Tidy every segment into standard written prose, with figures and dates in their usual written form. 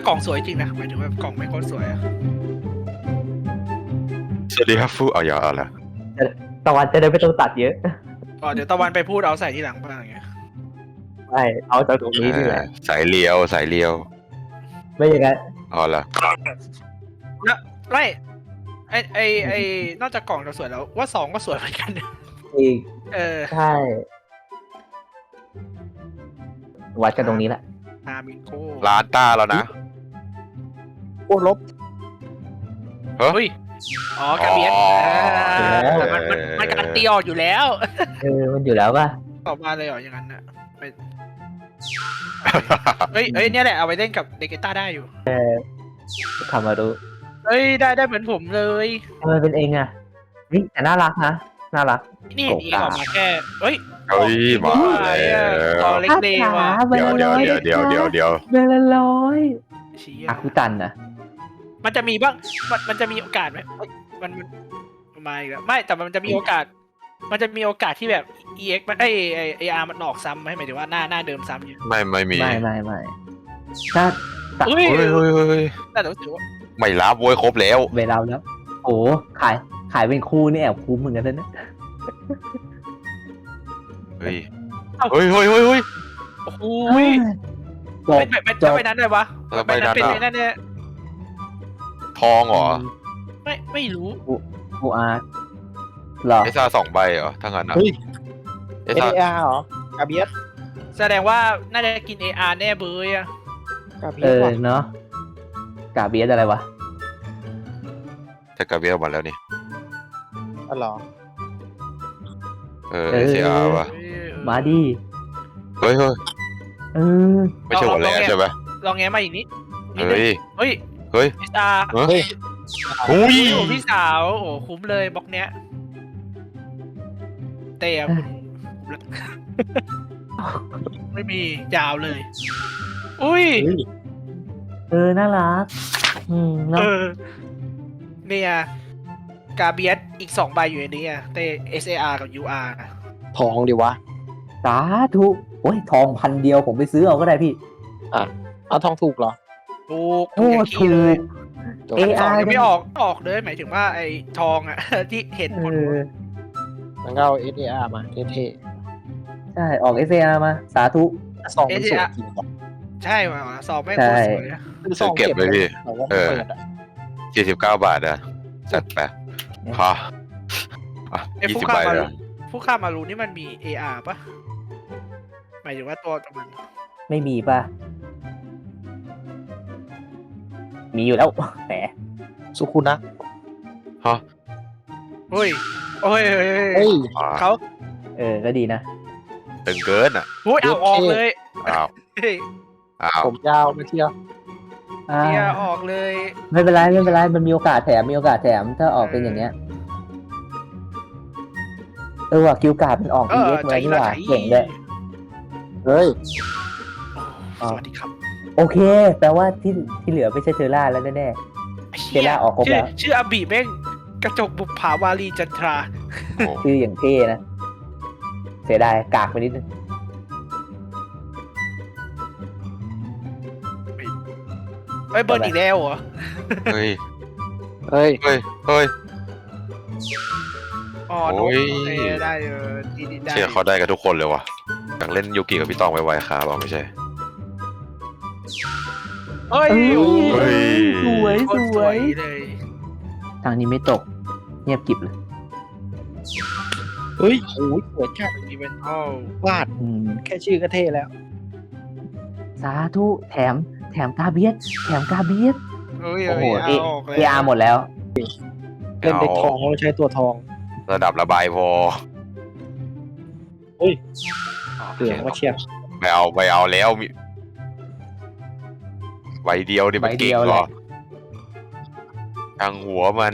กล่องสวยจริงนะหมายถึงว่ากล่องไม่โคตรสวยอะสวัสดีครับฟูเอาอย่าเอาละตะวันจะได้ไม่ต้องตัดเยอะอ๋อเดี๋ยวตะวันไปพูดเอาใส่ที่หลังบ้างอย่างเงี้ยไม่เอาจากตรงนี้นี่แหละสายเลียวสายเลียวไม่อย่างนั้นเอาละนะไม่ไอนอกจากกล่องจะสวยแล้วว่า2ก็สวยเหมือนกันอีกเออใช่วัดกันตรงนี้แหละนามิโก้ร้านต้าแล้วนะโอ้ลบเฮ้ยอ๋อกาเบียนอ๋อมันการตีออกอยู่แล้วมันอยู่แล้วป่ะต่อมาเลยเหรออย่างนั้นน่ะไปเฮ้ยเนี่ยแหละเอาไปเล่นกับเดกต้าได้อยู่ทำมาดูเฮ้ยได้เหมือนผมเลยทำไมเป็นเองอ่ะนี่แต่น่ารักนะน่ารักนี่เห็นอีออกมาแค่เฮ้ยเฮ้ยมาแล้วตอเล็กเดย์ว่ะเบลเดี๋ยวร้อยเดี๋ยวเบลร้อยเชี่ยอาคุตันนะมันจะมีบ้างมันจะมีโอกาสไหมเอ้ยมันมาอีกแล้วไม่แต่มันจะมีโอกาส มันจะมีโอกาสที่แบบ EX มันAR มันออกซ้ำไหมหมายถึงว่าหน้าเดิมซ้ำอยู่ไม่มีไม่ถ้าเฮ้ยเฮ้ยแต่รู้สึกว่าไม่รับโว้ยครบแล้วเวลาแล้วโอ้ขายเป็นคู่นี่แอบคุ้มเหมือนกันนะเฮ้ยเอ้าเฮ้ยโอ้โหจบเป็นไปนั้นเลยวะแล้วไปนั้นเป็นอ่ะไปนั้นเนี่ยทองเหรอไม่รู้กูอาร์หรอเอซ่า2 ใบเหรอถ้างั้นอ่ะเฮ้ยเอซ่า NAR เหรอกาเบียสแสดงว่าน่าจะกิน AR แน่เบยอะกาเบียสว่ะเนาะกาเบียสอะไรวะจะกระเบียมาแล้วนี่อ๋อเหรอเออ SAR ว่ะมาดีเฮ้ยเออไม่ใช่หัวแรงใช่ไหมลองแง้มมาอีกนิดเฮ้ยเฮ้ยเฮ้ย AR เฮ้ยหุ้ยโอ้พี่สาวโอ้คุ้มเลยบล็อกเนี้ยเตะคุณไม่มียาวเลย อุ้ยน่ารักเนาะเนี่ยกาเบียสอีก2 ใบอยู่ในนี้อะเต SAR กับ UR นะทองดิวะสาธุโอ้ยทอง1,000 เดียวผมไปซื้อเอาก็ได้พี่เอาทองถูกเหรอถูกโอ้อย่างถูที่เลยกจบอันสอง AI ยังไม่ออกเลยหมายถึงว่าไอ้ทองอะ ที่เห็นคนมันก็เอา NAR มาเท่ใช่ออก SAR มาสาธุๆซองมันสวยจริงว่ะใช่ว่ะสอบไม่ใช่โคตรสวยอะคือซองเก็บเลยแต่ว่าไม่เปิดอ่ะ 49 บาทอะจัดไปฮะอ่ะไอ้ผู้ 20 ฆ่าใบมาเลรูยผู้ฆ่ามารูนี่มันมี AR ปะหมายถึงว่าตัวมันไม่มีป่ะ มีอยู่แล้วแหมสุคุนะฮะเฮ้ยโอ้ยเฮ้ยเขาก็ดีนะตึงเกินอ่ะโอ้ยเอาออกเลยอ้าวเฮ้ยอ้าวผมยาวมาเที่ยวอ่าเทียออกเลยไม่เป็นไรมันมีโอกาสแถมถ้าออกเป็นอย่างเงี้ยว่ะคิวการ์ดมันออก EX มานี่หว่าเก่งเลยเฮ้ยสวัสดีครับโอเค แปลว่าที่เหลือไม่ใช่เทอร่าแล้วแน่ เทียร่าออกครบแล้วชื่ออาบีแม่งกระจกบุปผาวารีจันทราโอ้ๆชื่ออย่างเท่นะ เสียดายกากไปนิดนึงเฮ้ยเบิร์นอีกแล้วเหรอเฮ้ยเฮ้ยเฮ้ยอ๋อโอ้ยได้ดีได้เชื่อเขาได้กับทุกคนเลยว่ะอยากเล่นยูกิกับพี่ตองไวๆครับเอาไม่ใช่เฮ้ยเฮ้ยโคตรสวยเลยทางนี้ไม่ตก เงียบกริบเลยเฮ้ยโอ้ยสวยจัดอีเวนต์อ้าววาดแค่ชื่อก็เท่แล้วสาธุแถมกาเบียสเฮ้ยโอ้โหออกเลย AR หมดแล้วเล่นเด็กทองเราใช้ตัวทองระดับระบายพอเหลืองมาเชียร์ไม่เอาแล้วมีใบเดียวนี่มันเก่งเหรอทางหัวมัน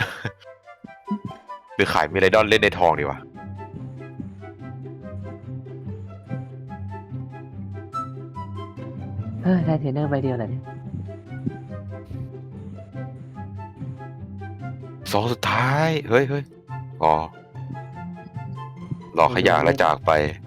หรือขายมีไรดอนเล่นในทองดีวะได้เทรนเนอร์ใบเดียวแหละเนี่ยสองสุดท้าย เฮ้ยอ๋อหลอกขยะแล้วจากไป